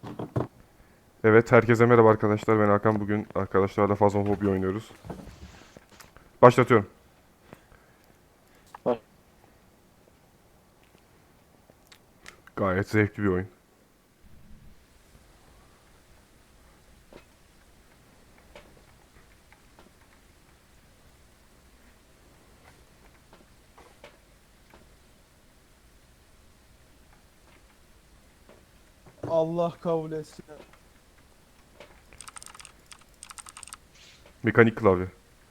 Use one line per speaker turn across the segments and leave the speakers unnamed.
Evet, herkese merhaba arkadaşlar. Ben Hakan. Bugün arkadaşlarla Phasmophobia oynuyoruz. Başlatıyorum.
Bak,
Gayet zevkli bir oyun.
Allah kabul etsin.
Mekanik klavye.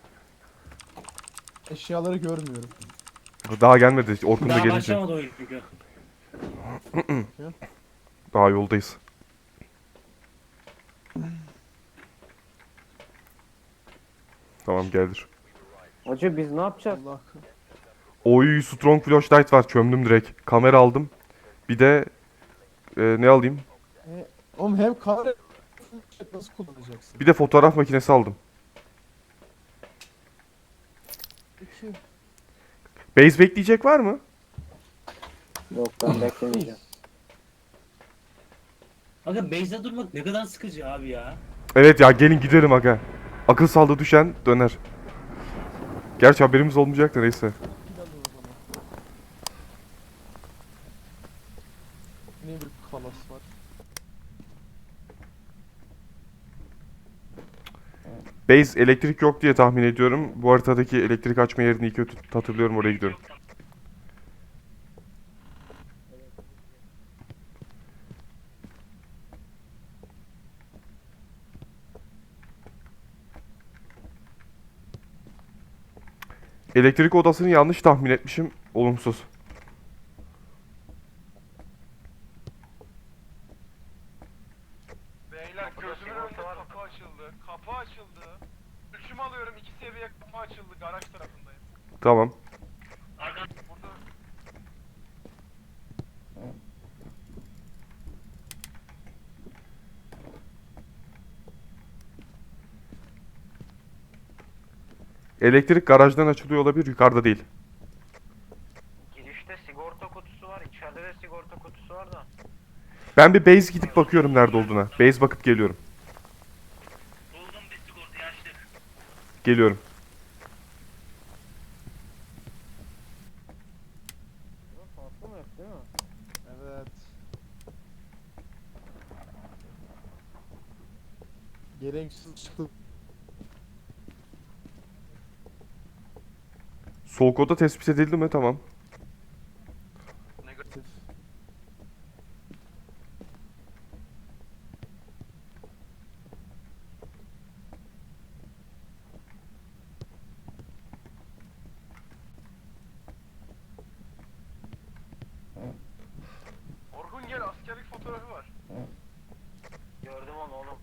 Eşyaları görmüyorum.
Daha gelmedi. Orkun da
daha
gelince.
başlamadı oyun çünkü.
Bakayım.
Daha yoldayız. Tamam, geldir.
Hacı biz ne yapacağız?
Allah.
Oy, strong flashlight var. Çömdüm direkt. Kamera aldım. Bir de ne alayım?
Oğlum hem kamera nasıl kullanacaksın?
Bir de fotoğraf makinesi aldım.
Peki.
Base bekleyecek var mı?
Yok ben beklemeyeceğim.
Aga base'de durmak ne kadar sıkıcı abi ya.
Evet ya, gelin gidelim aga. Akıl sağlığı düşen döner. Gerçi haberimiz olmayacak da neyse.
Pil alın o zaman. Ne bir kalas var.
Base elektrik yok diye tahmin ediyorum. Bu haritadaki elektrik açma yerini iyi kötü hatırlıyorum, oraya gidiyorum. Elektrik odasını yanlış tahmin etmişim. Olumsuz.
Beyler gözümün önünde kapı açıldı. Kapı açıldı. Ölçüm alıyorum, 2 seviye kapı açıldı. Garaj tarafındayım.
Tamam.
Burada
Elektrik garajdan açılıyor olabilir, yukarıda değil.
Girişte sigorta kutusu var, içeride de sigorta kutusu var da.
Ben bir base gidip bakıyorum nerede olduğuna. Base bakıp geliyorum.
Buldum bir sigortayı açtık.
Geliyorum.
Farklı mı yok değil mi?
Evet. Gereksiz çıktı.
Soğuk oda tespit edildi mi? Tamam.
Negatif.
Orhun gel, askerlik fotoğrafı var.
Gördüm onu oğlum.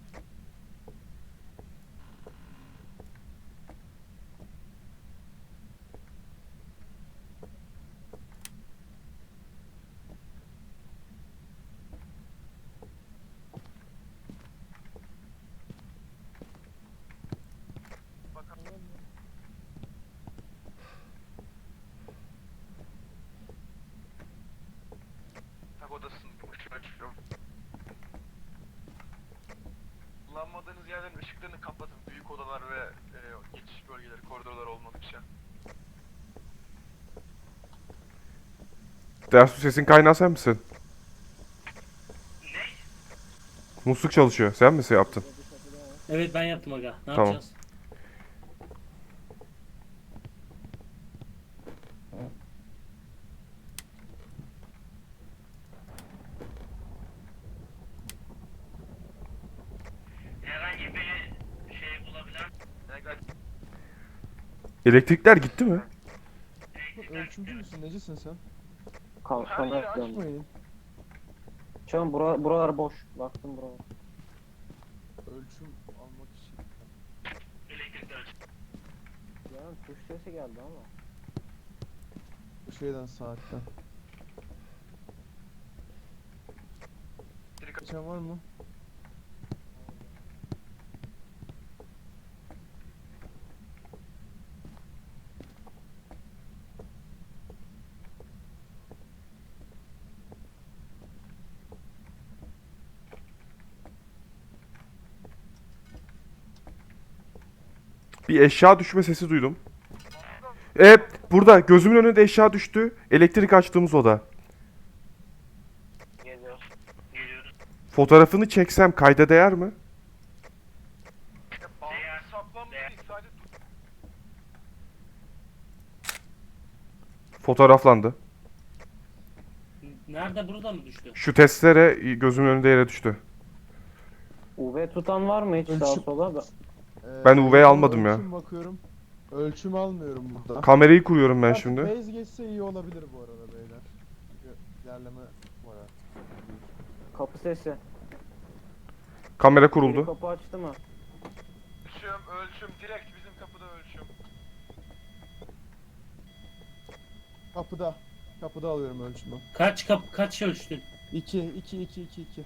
Bakalım. Tak odasının ışığı açıyorum. Kullanmadığınız yerlerin ışıklarını kapatın. Büyük odalar ve geçiş bölgeleri, koridorlar olmadıkça.
Dersu, sesin kaynağı sen misin? Musluk çalışıyor. Sen mi yaptın?
Evet ben yaptım aga. Ne
Tamam.
yapacağız? Herhangi bir şey bulabilen
Negatif.
Elektrikler gitti mi?
Ölçümcü müsün? Necisin sen?
Her
Kamera
yeri
yapıyorum.
Açmayın.
Çağın buralar boş. Baktım buralar.
Ölçüm almak için.
elektrikler.
Yani tuş sesi geldi ama.
Bu şeyden saatten. Geçen var mı?
Bir eşya düşme sesi duydum. Burada gözümün önünde eşya düştü. Elektrik açtığımız oda.
Geliyoruz.
Geliyoruz.
Fotoğrafını çeksem kayda değer mi?
Bağlı saplanma değil sadece
Fotoğraflandı.
Nerede, burada mı düştü?
Şu testere gözümün önünde yere düştü.
UV tutan var mı hiç sağa
Ölçüm-
sola?
Ben UV'yi almadım ya.
Ölçüm bakıyorum. Ölçüm almıyorum burada.
Kamerayı kuruyorum ben
Artık
şimdi.
Base geçse iyi olabilir bu arada beyler. Çünkü ilerleme var ha.
Kapı sesi.
Kamera
Biri
kuruldu.
kapı açtı mı?
ölçüm direkt bizim kapıda ölçüm.
Kapıda. Kapıda alıyorum ölçümü.
Kaç ölçtün?
2.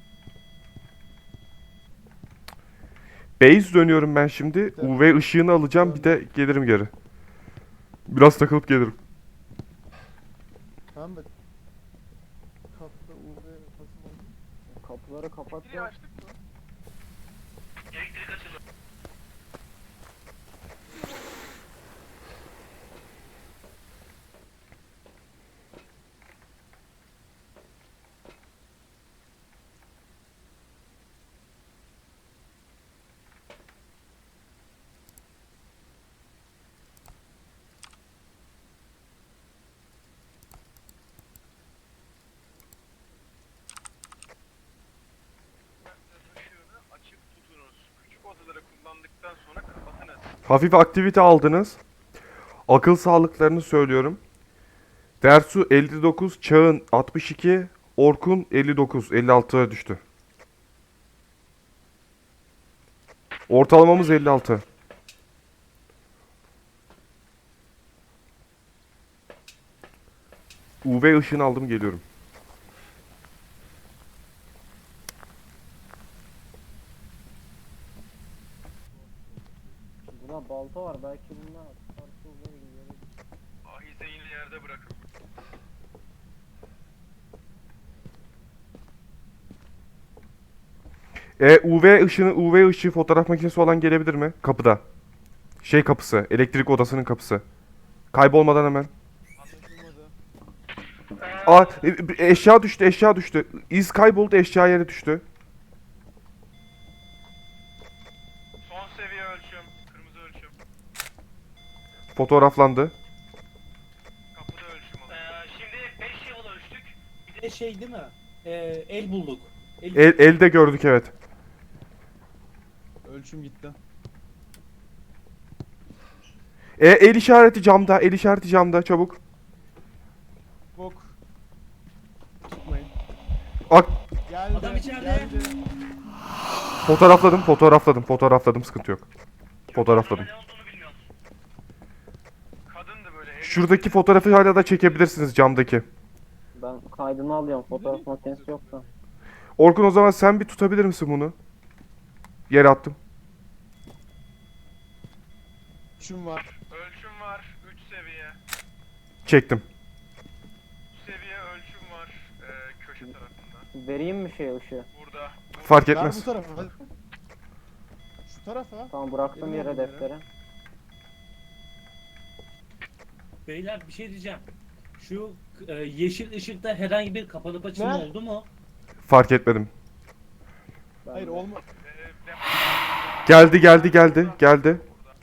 Base dönüyorum ben şimdi. UV ışığını alacağım, bir de gelirim geri. Biraz takılıp gelirim.
Tamam mı? Kapıda UV basım oldu.
Kapıları kapat.
Biri açtık mı?
Elektrik açıldı.
Işığını açık tutunuz. Küçük odaları kullandıktan sonra kapatınız.
Hafif aktivite aldınız. Akıl sağlıklarını söylüyorum. Dersu 59, Çağın 62, Orkun 59, 56'ya düştü. Ortalamamız 56. UV ışığını aldım, geliyorum.
Burada balta var belki bunlar. Farklı UV gibi.
Ahize yine yerde bırakın.
UV ışığı fotoğraf makinesi olan gelebilir mi? Kapıda. Şey kapısı, elektrik odasının kapısı. Kaybolmadan hemen.
Anlaşılmadı.
Eşya düştü, eşya düştü. İz kayboldu, eşya yere düştü.
Son seviye ölçüm. Kırmızı ölçüm.
Fotoğraflandı.
Kapıda ölçüm alın.
Şimdi 5 yıl ölçtük. Bir de şey değil mi? El bulduk.
Elde gördük, evet.
Ölçüm gitti.
El işareti camda, el işareti camda, çabuk.
Bok. Çıkmayın.
Ak
Geldi.
Adam içeride.
Geldi.
fotoğrafladım, sıkıntı yok. Fotoğrafladım.
Ne olduğunu bilmiyoruz.
Kadındı böyle.
Şuradaki fotoğrafı hala da çekebilirsiniz, camdaki.
Ben kaydını alıyorum. Fotoğraf makinesi yoksa.
Orkun, o zaman sen bir tutabilir misin bunu? Yere attım.
Ölçüm var.
Ölçüm var. 3 seviye.
Çektim.
3 seviye ölçüm var. Köşe tarafında.
Vereyim mi şey ışığı?
Burada.
Fark
Ver
etmez.
bu tarafa. hadi. Şu tarafa.
Tamam bıraktım
Benim
yere
olduğum yere.
defteri.
Beyler bir şey diyeceğim. Şu yeşil ışıkta herhangi bir kapanıp açılma
Ne?
oldu mu?
Fark etmedim.
Ben
Hayır
de-
olma.
Geldi.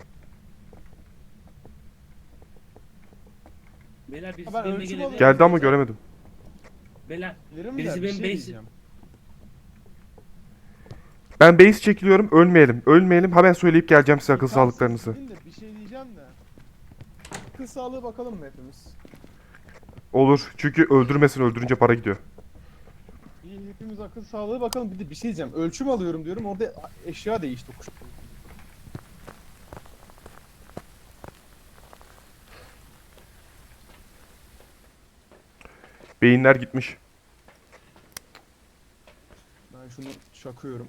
Beyler birisi
Ben
benimle
ölçüm
gelebilir.
alıyorum.
Geldi ama göremedim.
Beyler
Bilirim
Birisi
de bir
benim
şey
base-
diyeceğim.
Ben base çekiliyorum, ölmeyelim. Hemen söyleyip geleceğim size akıl
Tam
sağlıklarınızı.
siz gidin de bir şey diyeceğim de. Akıl sağlığı bakalım mı hepimiz?
Olur, çünkü öldürünce para gidiyor.
İyi, hepimiz akıl sağlığı bakalım. Bir de bir şey diyeceğim. Ölçüm alıyorum diyorum. Orada eşya değişti.
Beyinler gitmiş.
Ben şunu şakıyorum.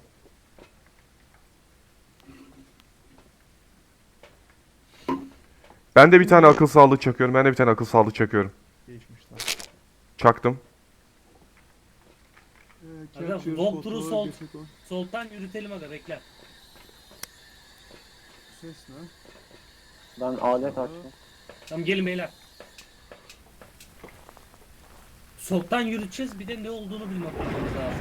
Ben de bir tane akıl sağlığı çakıyorum.
Değişmişler.
Çaktım.
Aga, walkthrough soltan yürütelim aga, bekle.
ses ne?
Ben alet açtım.
Tamam gelin beyler. Soltan yürüteceğiz, bir de ne olduğunu bilmek lazım.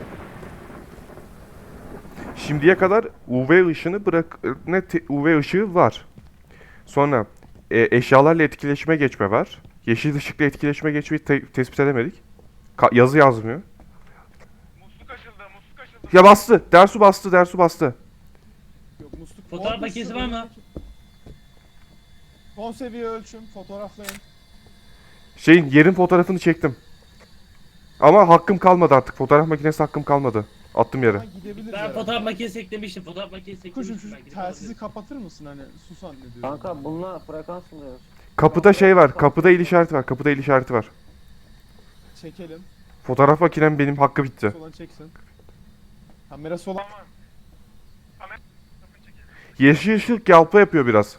Şimdiye kadar UV ışını UV ışığı var. Sonra eşyalarla etkileşime geçme var. Yeşil ışıkla etkileşime geçmeyi tespit edemedik. Yazı yazmıyor.
Musluk açıldı, musluk açıldı.
Ya bastı. Dersu bastı. Dersu bastı.
Yok musluk.
Fotoğraf
Orada
makinesi
şu
var mı?
önündeki- Son seviye ölçüm. Fotoğraflayın.
Yerin fotoğrafını çektim. Ama hakkım kalmadı artık. Fotoğraf makinesi hakkım kalmadı. Attım yere.
Ha, gidebiliriz
Ben
herhalde.
fotoğraf makinesi eklemiştim. Fotoğraf makinesi
Kuşum
eklemiştim.
şu
Ben gidip
telsizi
alabilirim.
kapatır mısın hani sus zannediyorum.
Kanka bununla frekans buluyoruz.
Kapıda şey var. Kapıda el işareti var. Kapıda el işareti var.
Çekelim.
Fotoğraf makinem benim hakkı bitti.
Solan çeksin. Kamerası olan
Tamam. Kamera çekelim.
Yeşil ışık yalpa yapıyor biraz.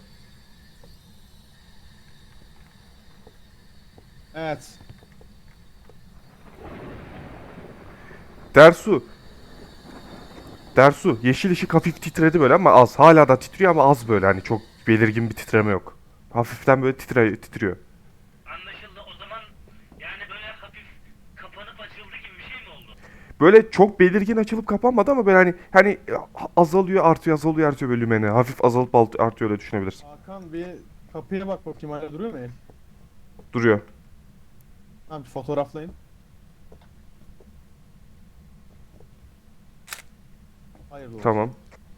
Evet.
Dersu. Dersu. Yeşil ışık hafif titredi böyle ama az. Hala da titriyor ama az böyle. Hani çok belirgin bir titreme yok. Hafiften böyle titriyor.
Anlaşıldı. O zaman yani böyle hafif kapanıp açıldı gibi bir şey mi oldu?
Böyle çok belirgin açılıp kapanmadı ama böyle hani azalıyor artıyor azalıyor artıyor böyle lümeni. Hafif azalıp artıyor öyle düşünebilirsin.
Hakan bir kapıya bak bakayım hala duruyor mu el?
Duruyor.
Tamam bir fotoğraflayın. Hayırlı olsun.
Tamam.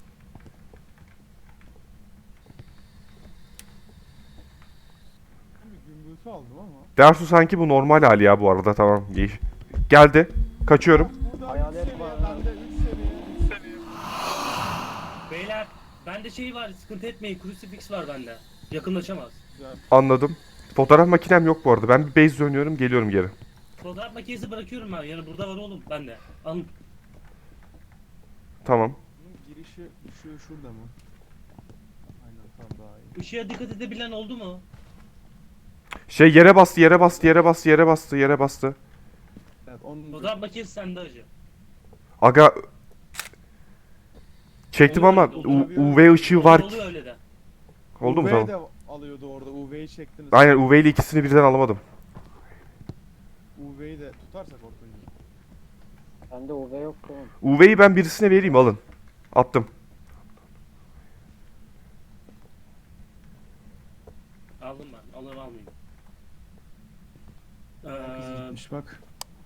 Bir gümbürtü aldım ama.
Dersu sanki bu normal hali ya bu arada tamam. Geldi. Kaçıyorum.
Burada
Hayalet
3 seviye,
var.
bende 3 seviye, 3 seviye.
Beyler, bende şey var, sıkıntı etmeyin. Crucifix var bende. Yakınlaşamaz.
Güzel.
Anladım. Fotoğraf makinem yok bu arada. Ben bir base dönüyorum geliyorum geri.
Fotoğraf makinesi bırakıyorum ben. Yani burada var oğlum bende. Alın.
Tamam.
Bunun girişi şurada mı? Aynen tamam daha iyi.
Işığa dikkat edebilen oldu mu?
Yere bastı yere bastı yere bastı yere bastı yere bastı.
Evet onun
Fotoğraf makinesi sende acı.
Aga çektim
Olur,
ama
olur.
UV ışığı var.
Oluyor öyle de.
Oldu mu
UV
tamam.
de alıyordu orada. UV'yi çektiniz.
Aynen UV ile ikisini birden alamadım.
UV'yi de tutarsak ortayı.
Bende UV yok oğlum.
UV'yi ben birisine vereyim alın. Attım.
Aldım ben. Alır almayayım.
Kız gitmiş bak.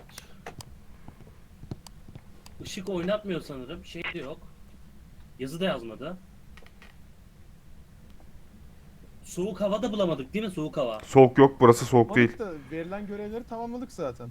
Işık oynatmıyor sanırım. Şey de yok. Yazı da yazmadı. Soğuk hava da bulamadık değil mi? Soğuk hava.
Soğuk yok burası soğuk değil.
Da verilen görevleri tamamladık zaten.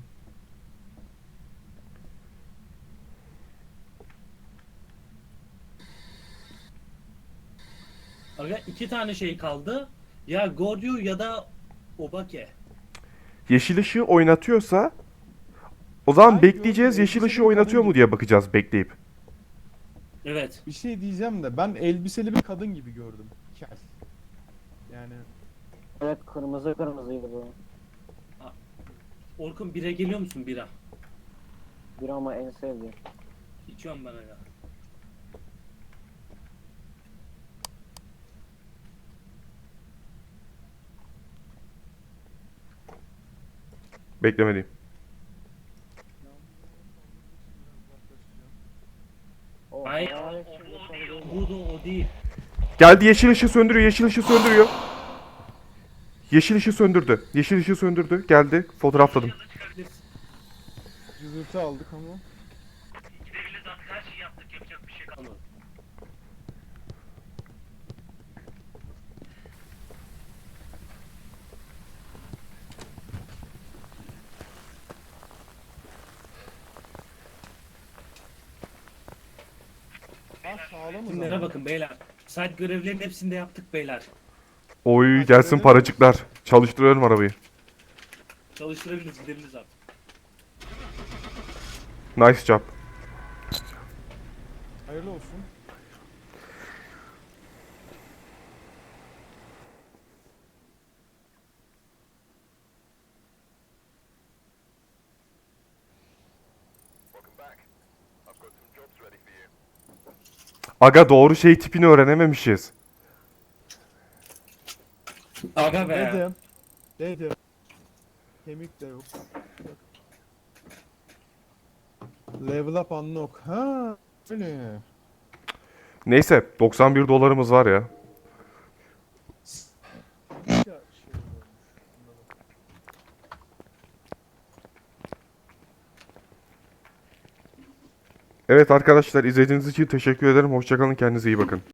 Aga 2 tane şey kaldı. Ya Gordio ya da Obake.
Yeşil ışığı oynatıyorsa o zaman
Hayır,
bekleyeceğiz.
yok,
Yeşil
elbiseli
ışığı
bir
oynatıyor
kadın
mu diye bakacağız bekleyip.
Evet.
Bir şey diyeceğim de ben elbiseli bir kadın gibi gördüm. Kel. Yani
Evet kırmızı kırmızıydı bu.
Orkun bire geliyor musun bira?
Bir ama en sevdiğim.
İçiyorum ben aga.
Beklemeliyim.
O
Hayır,
hayalet
o-
şimdi
o
sonra
değil,
değil.
Bu da o değil.
Geldi yeşil ışığı söndürüyor. Yeşil ışığı söndürüyor. Yeşil ışığı söndürdü. Yeşil ışığı söndürdü. Geldi. Fotoğrafladım.
cızırtı aldık ama.
Gidebiliriz artık her şeyi yaptık. Yapacak bir şey kalmadı.
Sağlamız
Kimlere
ama.
bakın beyler. Site görevlerinin hepsini de yaptık beyler.
Oy gelsin paracıklar. Çalıştırıyorum arabayı.
Çalıştırabiliriz gidebiliriz artık.
Nice job.
Hayırlı olsun.
Aga doğru tipini öğrenememişiz.
Aga be.
Dedim. Dedim. Kemik de yok. Level up unlock. Ha, öyle.
Neyse 91 dolarımız var ya.
Ya, şey olmuş.
Evet arkadaşlar izlediğiniz için teşekkür ederim. Hoşçakalın, kendinize iyi bakın.